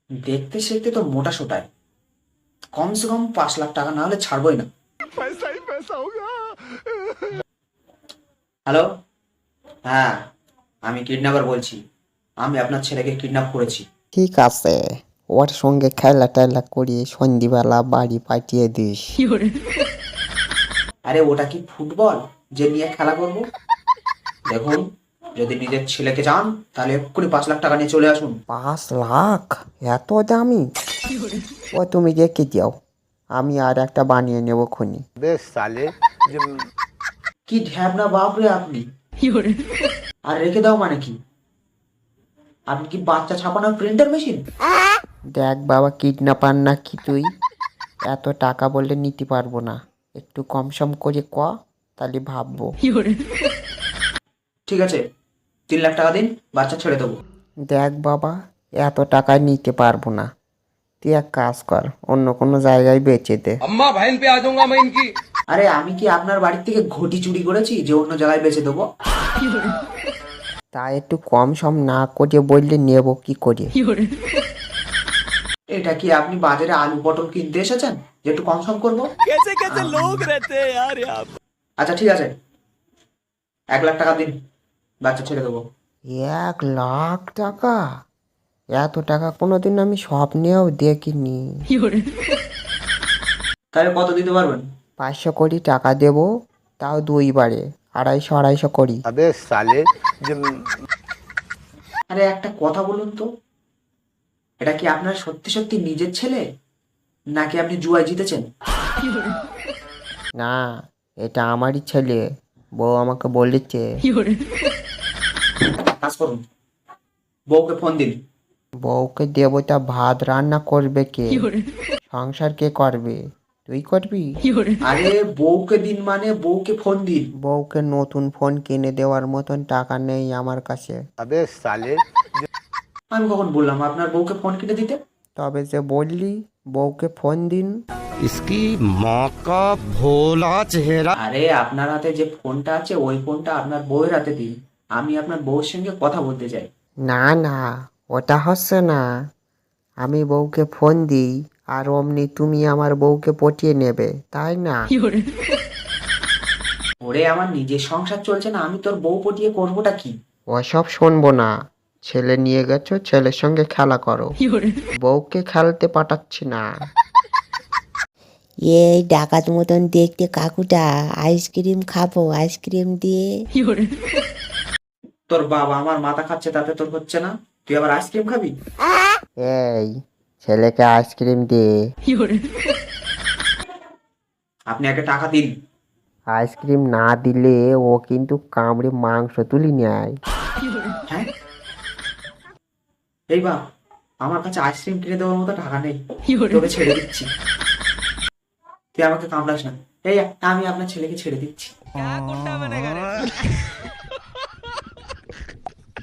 দেখতে শিখতে তো মোটা সোটায়, কমসে কম 5 লাখ টাকা না হলে ছাড়বই না। হ্যালো, হ্যাঁ, আমি কিডন্যাপার বলছি। আমি আপনার ছেলেকে কিডন্যাপ করেছি। ঠিক আছে, ওর সঙ্গে খেলা টেলা করিয়ে সন্ধিবেলা বাড়ি পাঠিয়ে দিস। আরে ওটা কি ফুটবল যে নিয়ে খেলা করব? দেখুন, যদি নিজের ছেলেকে চান তাহলে এক্ষুনি 5 লাখ টাকা নিয়ে চলে আসুন। 5 লাখ? এত দামি? ও তুমি রেখে যাও, আমি আর একটা বানিয়ে নেব খুনি। কি ঢ্যাবনা বাপ রে আপনি! আর রেখে দাও মানে কি? আপনি কি বাচ্চা ছাপানোর প্রিন্টার মেশিন? দেখ বাবা, কিডন্যাপার না কি তুই? এত টাকা বললে নিতে পারবো না, একটু কম সম করে ক, তাহলে ভাববো। ঠিক আছে, 3 লাখ টাকা দিন, বাচ্চা ছেড়ে দেবো। দেখ বাবা, এত টাকা নিতে পারবো না, তুই এক কাজ কর, অন্য কোনো জায়গায় বেচে দে। अम्मा बहन पे आ जाऊंगा मैं इनकी। আরে আমি কি আপনার বাড়ির থেকে ঘটি চুরি করেছি যে অন্য জায়গায় বেচে দেবো? তা একটু কম সম না করে বললে নেব কি করে? এটা কি আপনি বাজারে আলু পটল কিনতে এসেছেন যে একটু কম সম করবো? कैसे कैसे लोग रहते हैं यार यहाँ पे। আচ্ছা ঠিক আছে, 1 লাখ টাকা দিন, বাচ্চা ছেড়ে দেবো। 1 লাখ টাকা? এত টাকা কোনোদিন আমি স্বপ্নেও দেখিনি। তাহলে কত দিতে পারবেন? 500 কোটি টাকা দেব, তাও 2 বারে, 250 250 করি। আরে একটা কথা বলুন তো, এটা কি আপনার সত্যি সত্যি নিজের ছেলে, নাকি আপনি জুয়ায় জিতেছেন? না, এটা আমারই ছেলে, বউ আমাকে বলেছে। কাজ করুন, বউকে ফোন দিন। বউকে দেবো তা ভাত রান্না করবে কে? সংসার কে করবে? তুই করবি? আরে বউকে দিন মানে বউকে ফোন দিন। বউকে নতুন ফোন কিনে দেওয়ার মতন টাকা নেই আমার কাছে। আমি কখন বললাম আপনার বউকে ফোন কিনে দিতে? তবে যে বললি বউকে ফোন দিন। इसकी माँ का भोला चेहरा। আরে আপনার হাতে যে ফোনটা আছে ওই ফোনটা আপনার বউয়ের হাতে দিন, আমি আপনার বউয়ের সঙ্গে কথা বলতে চাই। না না, ওটা হচ্ছে না। আমি বউকে ফোন দিই আর অমনি তুমি আমার বউকে পটিয়ে নেবে, তাই না? ওরে আমার নিজের সংসার চলছে না, আমি তোর বউ পটিয়ে করবোটা কি? ওসব শুনবো না, ছেলে নিয়ে গেছো, ছেলের সঙ্গে খেলা করো, বউকে খেলতে পাঠাচ্ছি না। এই ডাকাত মতন দেখতে কাকুটা, আইসক্রিম খাবো, আইসক্রিম দিয়ে। তোর বাবা আমার মাথা খাচ্ছে তাতে তোর হচ্ছে না, তুই আবার আইসক্রিম খাবি? এই, ছেলেকে আইসক্রিম দে। আপনি আগে টাকা দিন। আইসক্রিম না দিলে ও কিন্তু কামড়ে মাংস তুলি নেয়। হ্যাঁ, এই বা, আমার কাছে আইসক্রিম কিনে দেওয়ার মতো টাকা নেই, তোকে ছেড়ে দিচ্ছি, তুই আমাকে কামড়াস না। এই আমি আপনার ছেলেকে ছেড়ে দিচ্ছি।